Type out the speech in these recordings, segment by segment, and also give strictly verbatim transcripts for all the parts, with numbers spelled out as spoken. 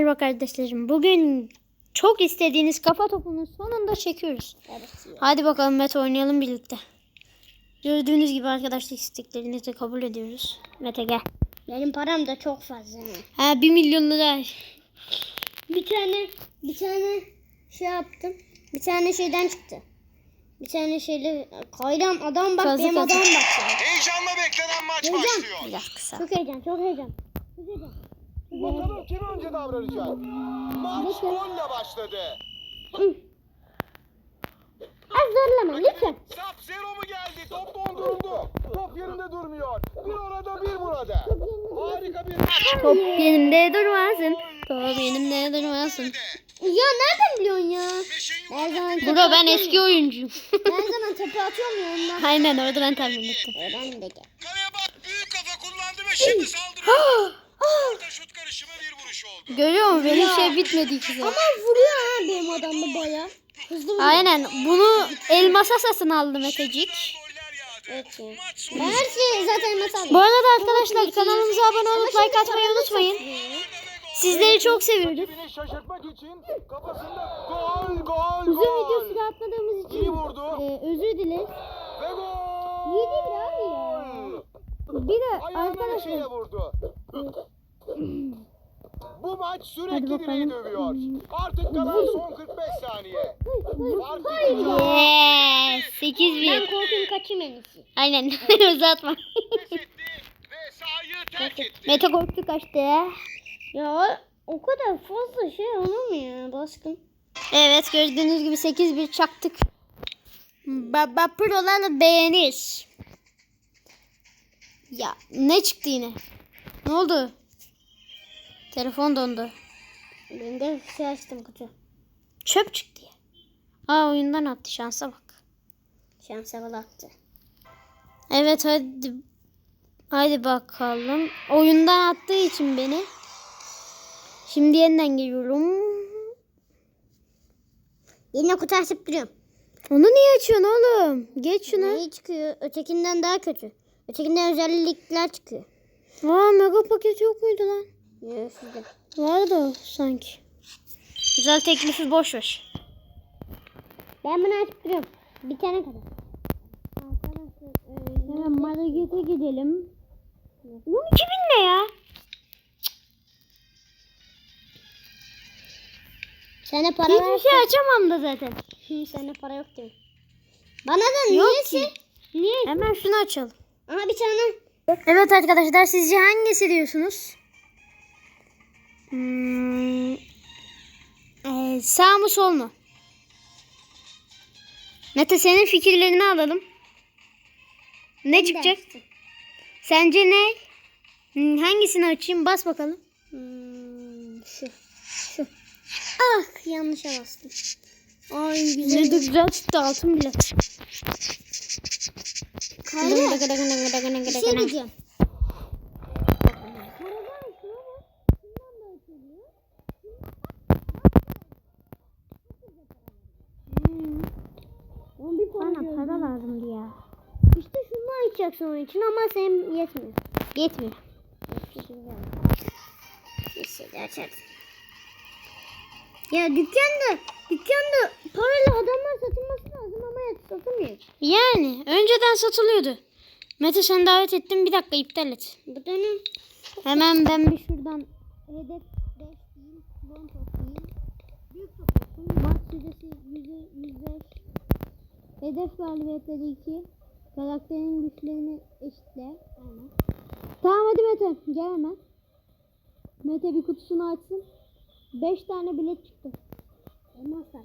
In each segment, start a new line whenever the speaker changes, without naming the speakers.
Merhaba kardeşlerim. Bugün çok istediğiniz kafa topunu sonunda çekiyoruz.
Evet.
Hadi bakalım Mete, oynayalım birlikte. Gördüğünüz gibi arkadaşlık isteklerinizi kabul ediyoruz. Mete gel.
Benim param da çok fazla.
Ha, bir milyon lira.
Bir tane bir tane şey yaptım. Bir tane şeyden çıktı. Bir tane şeyle kayram adam bak
Kazı
benim
kazı.
adam bak.
Heyecanla beklenen maç
Heyecan.
başlıyor.
Biraz kısa.
Çok heyecan, çok heyecan. Çok heyecan.
Bakalım kim önce davranacak? Maç golle başladı.
Az zorlama lütfen.
Sap zero mu geldi? Top donduruldu. Top yerinde durmuyor. Bir orada bir burada. Harika bir maç.
Top yenimde durmasın. Top yenimde durmasın.
Ya nereden biliyorsun ya? Her zaman tepe
Bro, ben
atıyorum
eski
ya.
oyuncuyum.
Her zaman tepe atıyorum ya ondan.
Aynen, orada ben tahmin ettim.
Ben de gel.
Kaleye bak, büyük kafa kullandı ve şimdi saldırıyor. Orta şut karışımı bir vuruş oldu.
Görüyor musun? Benim şey bitmedi ikisi.
Ama vuruyor ha benim adam da baya. Hızlı vuruyor.
Aynen, bunu elmasa satın aldı Metecik.
Goller yağdı.
Evet ya.
Maç
Ben
sonu.
her şeyi zaten mesela.
Bu arada arkadaşlar, kanalımıza abone olup like atmayı unutmayın. Sizleri çok seviyoruz.
Rakibini şaşırtmak için kafasında gol gol
Uzun
gol.
video süre atladığımız için
İyi vurdu.
e, özür dileriz.
Ve gol.
İyi değil mi abi ya? Bir de
Ayağına bir şeyle
arkadaşlar
vurdu. Bu maç
Hadi
sürekli
bakalım.
direği dövüyor. Artık kalan son kırk beş saniye. Fark iki.
Yes, sekiz
ben
bir.
korkun kaçayım en iyisi.
Aynen, uzatma.
Pes etti ve sahayı terk etti.
Mete korktu, kaçtı.
Ya o kadar fazla şey olur mu ya baskın?
Evet, gördüğünüz gibi sekiz bir çaktık. Baba Pro'lar beğenir. Ya ne çıktı yine? Ne oldu? Telefon dondu.
Ben de şey açtım kutu.
Çöp çıktı ya. Aa, oyundan attı, şansa bak.
Şansa bala attı.
Evet, hadi. Hadi bakalım. Oyundan attığı için beni. Şimdi yeniden geliyorum.
Yine kutu açıp duruyorum.
Onu niye açıyorsun oğlum? Geç şunu.
Ne çıkıyor? Ötekinden daha kötü. Ötekinden özellikler çıkıyor.
Aa, mega paket yok muydu lan?
Ya sizde.
Vardı o sanki. Güzel teklifi boş ver.
Ben bunu açıp duruyorum. Bir tane kadar. Arkadaşlar
Hemen markete gidelim. on iki bin ne ya?
Sana para
Hiçbir
ver.
şey açamam da zaten.
Sana para yok diyor. Bana da
Yok
niyeyse.
ki.
Niye?
Hemen şunu açalım.
Aha bir tane.
Evet arkadaşlar, sizce hangisi diyorsunuz? Hmm, ee, sağ mı sol mu? Mete, senin fikirlerini alalım. Ne çıkacak?
Dersin.
Sence ne? Hmm, hangisini açayım? Bas bakalım.
Hmm, şu. Şu. Ah yanlışa bastım. Ay
Ne
güzel.
de güzel çıktı, altın bile.
Kayra. Bir şey diyeceğim.
Bana para lazımdı ya.
İşte şunu açacaksın onun için ama sen yetmiyor.
Yetmiyor.
Neyse açarız. Ya dükkanda, dükkanda paralı adamlar satılması lazım ama ya satılmıyor.
Yani önceden satılıyordu. Mete, sen davet ettin, bir dakika iptal et.
Bu dönem
Hemen ben bir şuradan
hedef beş değil, bon toplayayım. Büyük toplasın.
maç süresi yüz beş. Hedef galibiyetleri iki. Karakterin güçlerini eşitle. Aynen. Tamam hadi Mete, gel hemen. Mete bir kutusunu açsın. beş tane bilet çıktı.
Elmaslar.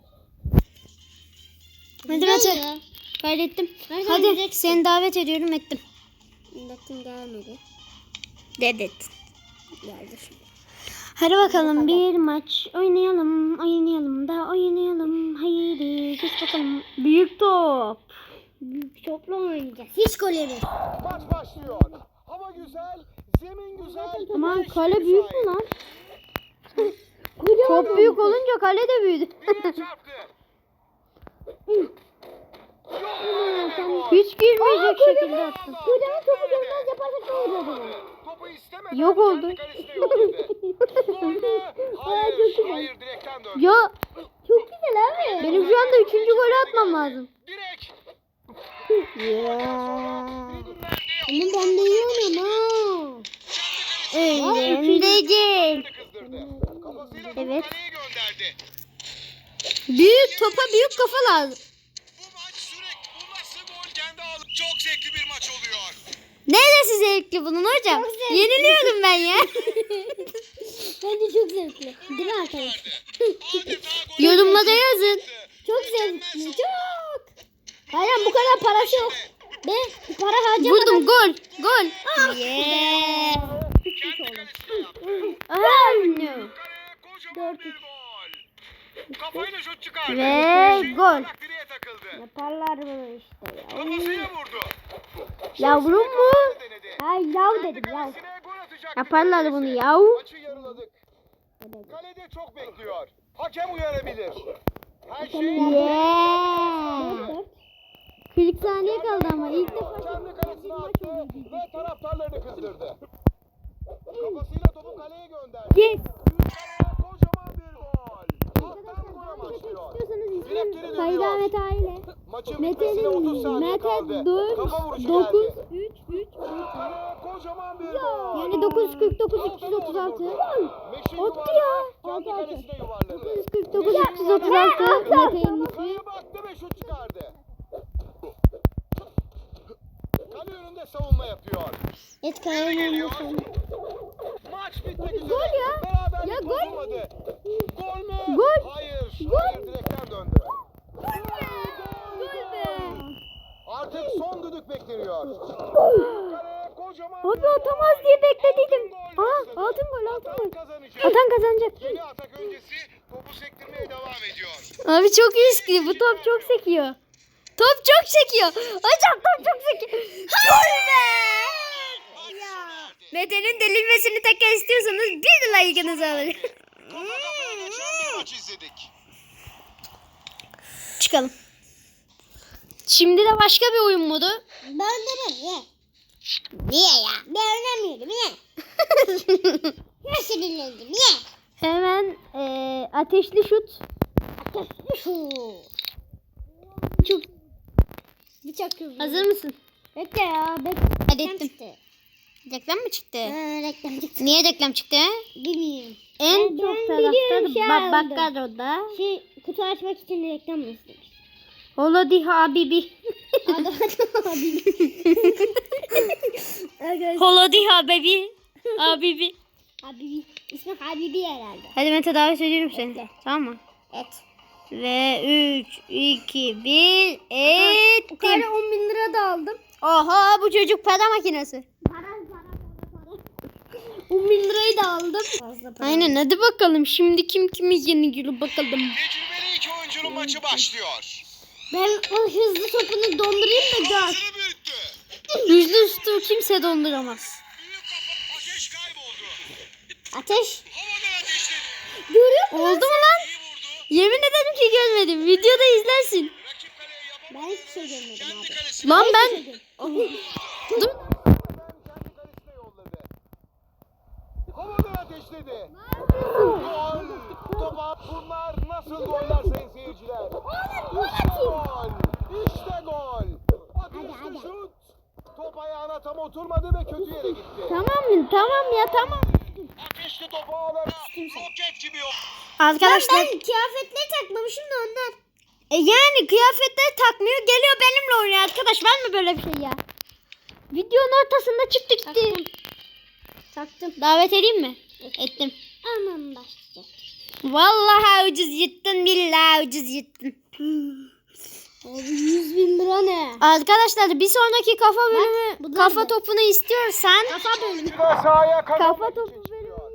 Hadi
Güzel
Mete.
ya.
Kaydettim.
Her zaman
Hadi
gideceksin.
seni davet ediyorum, ettim.
Baktım gelmedi.
Dedet.
Geldi şimdi.
Hadi bakalım, bir maç oynayalım, oynayalım da oynayalım. Haydi geç bakalım. Büyük top.
Büyük topla oynayacağız. Hiç gol yeriz.
Maç başlıyor. Hava güzel, zemin güzel.
Aman,
beş
kale
müsait.
büyük mü lan? Top büyük olunca kale de büyüdü.
Direğe çarptı.
Hiç girmeyecek şekilde attım.
Kocaman topu görmez yaparsak ne olur acaba?
Topu istemeden
Yok oldu.
kendi kalesine yolladı. Gol mü? Hayır. Hayır, direkten döndü.
Ya çok güzel abi. Benim şu anda üçüncü golü atmam lazım.
Direk.
Ya.
Tribünlerde
Ama ben de iyi oynuyorum ha. Öğreneceğim.
kızdırdı. Kafasıyla topu
Evet.
kaleye gönderdi.
Büyük topa büyük kafa lazım.
Bu maç sürekli bu nasıl gol kendi aldı. Çok zevkli bir maç oluyor.
Neresi zevkli bunun hocam? Yeniliyorum ben ya.
Bence çok zevkli. Değil mi arkadaşlar?
Adeta gol
Yorumlara yazın.
Çok zevkli. Çok. Hayır bu kadar parası yok. Ben para harcamadan.
Vurdum gol. Gol.
Ah.
Yeah.
kendi kalesine yaptı.
Oh no.
Kaleye kocaman bir gol. Kafayla şut çıkardı.
Ve
Şeyin
gol.
kulak direğe takıldı.
Yaparlar bunu işte ya.
Kafasıyla vurdu.
Yavrum mu?
Denedi.
Ay yav
Kendi
dedim yav.
kalesine gol atacak
Yaparlar
neredeyse.
bunu yav.
Maçı yarıladık. Kalede çok bekliyor. Hakem uyarabilir. Her şey
Yeah. kırk saniye kaldı ama ilk defa
kendi kalesine attı ve taraftarlarını kızdırdı. Kafasıyla topu kaleye gönderdi.
Yes.
Kaleye kocaman bir gol. Alttan gol başlıyor.
İstiyorsanız
Direkleri
izleyin. Kayda
dönüyor.
Mete aile.
Maçın bitmesine otuz
Mete'nin
saniye
Mete
kaldı.
dört,
Kafa vuruşu
dokuz,
geldi.
üç, üç.
Kaleye kocaman bir gol.
Yani dokuz kırk dokuz üç yüz otuz altı.
Meşin
Attı
yuvarlağı
ya.
kendi kalesine yuvarladı.
dokuz yüz kırk dokuz üç yüz otuz altı. Mete'nin ismi.
Kaleye baktı ve şut çıkardı. Kale önünde savunma yapıyor.
Et
Geri
kayın
geliyor.
olmasın.
Maç bitmek üzere.
Gol ya.
Beraberlik
Ya gol.
bozulmadı. Gol mü?
Gol.
Hayır.
Gol.
Hayır, direkten döndü.
Gol be.
Artık son düdük bekleniyor. Kaleye kocaman
Abi
bir
atamaz
gol.
diye beklediydim.
Altın gol
Aa
başladı.
altın gol altın
Atan
gol.
kazanacak.
Atan kazanacak.
Yeni atak öncesi topu sektirmeye devam ediyor.
Abi çok riskli. Bu top çok sekiyor. Top çok sekiyor. Hocam top çok sekiyor. Gol be.
Maç sona erdi.
Mete'nin delinmesini tekrar istiyorsanız bir de like'ınızı alın.
Kafa kafaya geçen bir maç izledik.
Çıkalım. Şimdi de başka bir oyun modu.
Ben de ben niye? Niye ya? Ben oynamıyorum niye? Nasıl dinlendim niye?
Hemen eee, ateşli şut.
Şu.
Çok.
Bıçak kızı.
Hazır mısın?
Bekle ya. Bekle.
Hadi ettim.
Çıktı.
Reklam mı çıktı?
Ha, reklam çıktı.
Niye reklam çıktı?
Bilmiyorum.
En
Ben-
çok
ben
taraftar
biliyorum, şey
ba-
aldım.
Bakkaro'da.
Şey kutu açmak için reklam mı istemiş?
Oladi Habibi.
Adı adı abi. Arkadaşlar.
Holodi Habibi. Habibi.
Habibi. İsmi Habibi herhalde.
Hadi ben tedavi ediyorum seni. Tamam mı?
Et.
Ve üç, iki, bir,
Bu kadar
ettim.
on bin lira da aldım.
Oha bu çocuk para makinesi.
Para para para para. on bin lirayı da aldım. Fazla para.
Aynen hadi bakalım. Şimdi kim kimi yeniyor bakalım.
Tecrübeli iki oyuncunun maçı başlıyor.
Ben o hızlı topunu dondurayım da gör.
Hızını büyüttü.
Yüzlü üstü kimse donduramaz.
Büyük kafa ateş kayboldu.
Ateş.
Havadan ateşledi.
Görüyor musun?
Oldu mu lan?
İyi vurdu.
Yemin ederim ki görmedim. Videoda izlersin.
Rakip kaleye
Ben
yapamadı.
hiçbir şey görmedim
Kendi
abi.
kalesine
Lan ben... Dur.
kendi kalesine yolladı. Havadan ateşledi. Gol. Topa bunlar nasıl goller sayın seyirciler? İşte gol. İşte gol. Ateşli şut. Top ayağına tam oturmadı ve kötü yere gitti.
Tamam mı? Tamam ya tamam.
Ateşli topu ağlara roket gibi yok.
Arkadaşlar.
Ben kıyafetleri takmamışım da ondan.
E yani kıyafetleri takmıyor. Geliyor benimle oynuyor arkadaş. Var mı böyle bir şey ya? Videonun ortasında çıktı gitti.
Taktım.
Davet edeyim mi? Ettim.
Aman başlayacak.
Vallahi ucuz yırttın. Billahi ucuz yırttın.
Abi yüz bin lira ne?
Arkadaşlar bir sonraki kafa bölümü
bunlar
kafa
da.
topunu istiyorsan
Kafa bölümü.
Çıkar sahaya
kafa
kazanmak
topu
için
bölümü
çıkıyor.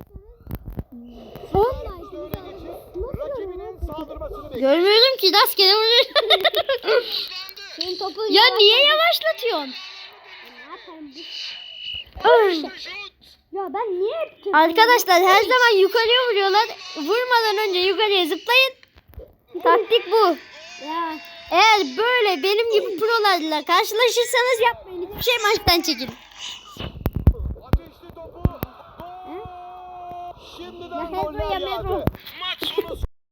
istiyorsanız
Öne geçip rakibinin saldırmasını bekliyor.
görmüyorum ki rastgele vuruyorum.
Senin topun
Ya
yavaş-
niye yavaşlatıyorsun?
Ne yaparım bu?
Ay.
Şut.
Ya ben niye hep kötü-
Arkadaşlar her zaman yukarıya vuruyorlar. Vurmadan önce yukarıya zıplayın. Taktik bu.
Ya
Eğer böyle benim gibi prolarla karşılaşırsanız yapmayın. Hiçbir şey maçtan çekin.
Ateşli topu. Gol. Şimdiden
Ya Pedro
goller
ya
yağdı.
Pedro.